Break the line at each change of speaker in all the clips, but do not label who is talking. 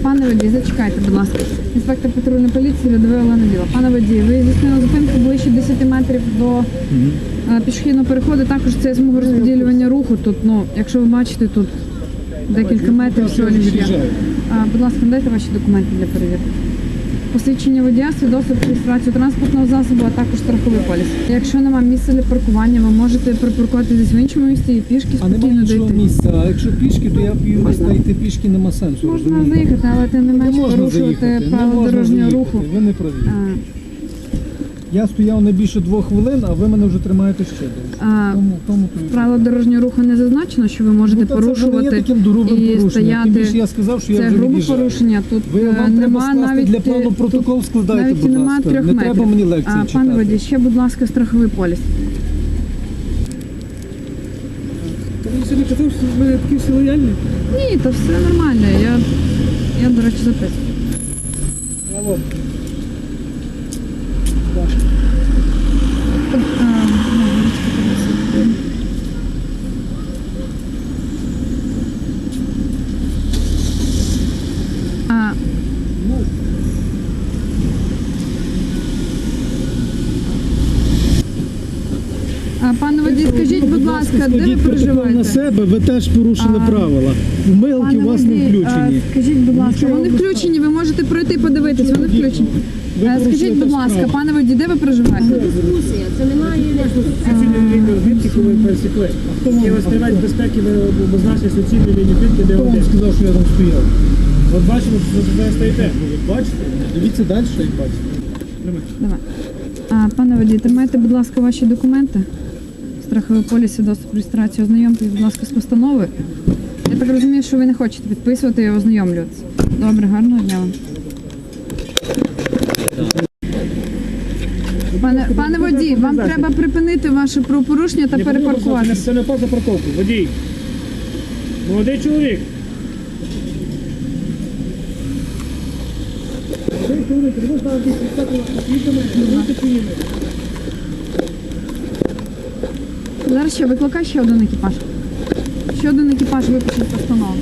Пане водій, зачекайте, будь ласка. Інспектор патрульної поліції, рядовий Олена Біла. Пане водій, ви здійснили зупинку ближче 10 метрів до пішохідного переходу. Також це смуга розподілювання руху. Тут, якщо ви бачите, тут декілька метрів всього лиш є. Будь ласка, надайте ваші документи для перевірки. Посвідчення водія, свідоцтво про реєстрацію транспортного засобу, а також страховий поліс. Якщо немає місця для паркування, ви можете припаркуватися в іншому місці і пішки спокійно дойти.
Місця, а якщо пішки, то я можна йти пішки, нема сенсу.
Можна заїхати, але тим не менш порушувати правила дорожнього руху.
Ви не праві. Я стояв не більше 2 хвилин, а ви мене вже тримаєте ще довше.
Правила дорожнього руху не зазначено, що ви можете порушувати і стояти.
Я сказав, що
це грубе порушення. Тут нема навіть
для плану протокол складайте,
навіть
будь
нема
ласка.
3
Не
метрів.
треба мені лекції читати.
Пане водій, ще, будь ласка, страховий поліс.
Ви сьогодні казав, що в мене такі всі лояльні?
Ні, то все нормально. Я до речі, записую.
Алло.
Пане водій, скажіть, будь ласка, де ви проживаєте?
На себе ви теж порушили правила. Вмилки у вас не включені.
Скажіть, будь ласка, вони включені, ви можете пройти подивитись, вони включені. Скажіть, будь ласка, пане водій, де ви проживаєте?
Дискусія, це немає
Суцільної лінії відбитки, коли ви пересікли. Є ось триваль безпеки, ви обозначили суцільну лінію відбитки, де
Хто вам
один.
сказав, що я там стояв?
От бачимо, що ви стоїте. Бачите?
Дивіться далі, як бачите.
Давай. Пане водій, тримайте, будь ласка, ваші документи. Страховий поліс, свідоцтво про реєстрацію, ознайомтесь, будь ласка, з постановою. Я так розумію, що ви не хочете підписувати і ознайомлюватися. Добре, гарного дня вам. Пане водій, вам треба припинити ваше правопорушення та перепаркуватися.
Це не поза парковку. Водій. Молодий чоловік. Молодий чоловік, ви ставите підстати світами, не поїми.
Зараз ще викликай ще один екіпаж. Ще один екіпаж випишуть постанову.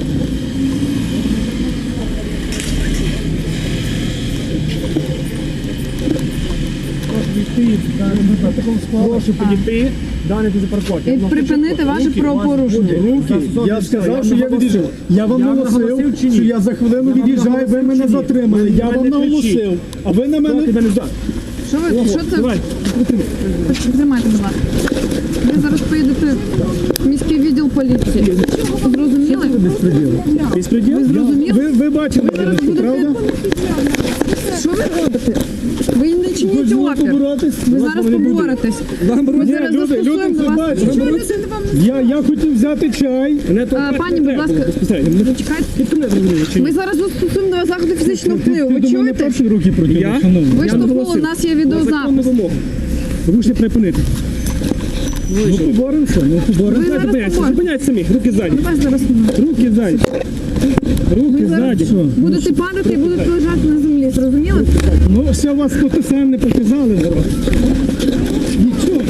Прошу підійти, данити за парковку.
І припинити ваше правопорушення.
Я сказав, що я від'їжджав. Я вам наголосив, що я за хвилину від'їжджаю, ви мене затримали. Я вам наголосив, а ви на мене...
Що ви? Що це? Тримайте, будь ласка. Ви зараз поїдете в міський відділ поліції. Зрозуміли?
Безпреділ?
Ви зрозуміли?
Ви бачили, правда?
Що ви робите? Ви не чиніть опір. Ви зараз поборетесь. Ми зараз застосуємо до вас. Чого людина вам
Я хотів взяти чай.
Пані, будь ласка, зачекайте. Ми зараз застосуємо до вас заходи фізичного впливу. Ви чуєте?
Перші руки проти
Я?
шановні.
Ви штовхнули, у нас є відеозапис.
Ви можете припинити.
Ну поборемося,
Ви зараз поборете.
Зупиняйте самі, руки ззаді.
Вас зараз поборете.
Руки ззаді. Руки ззаді.
Будете падати і будете лежати на землі, зрозуміли?
Ну все вас тут все не показали зараз. Нічого.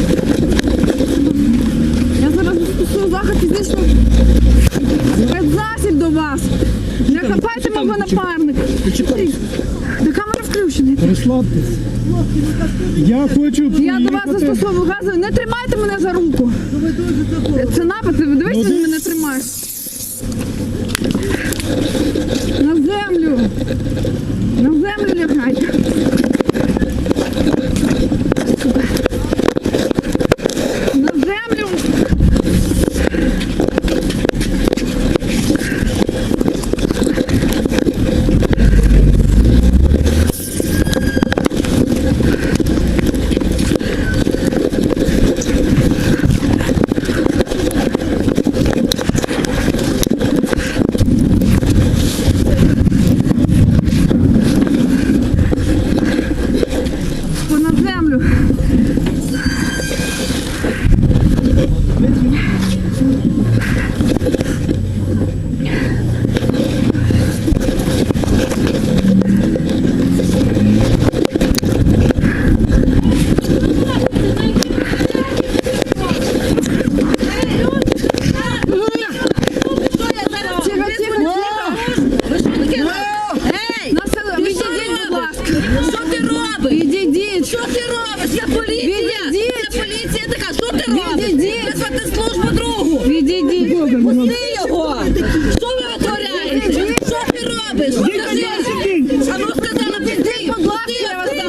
Я зараз застосую захід фізичного спецзасіб до вас. Не хапайте мого напарника. Та камера включена.
Розслабтесь. Я хочу
Я до вас застосовую газу. Не тримайте мене за руку. Це напад. Дивись, він мене тримає. На землю. На землю лягайте. На землю.
визвати службу другу.
Відійдіть.
Пусти його. Що ви витворяєте? Що ти робиш? Скажи. А ну сказала, пусти. Будь ласка, я вас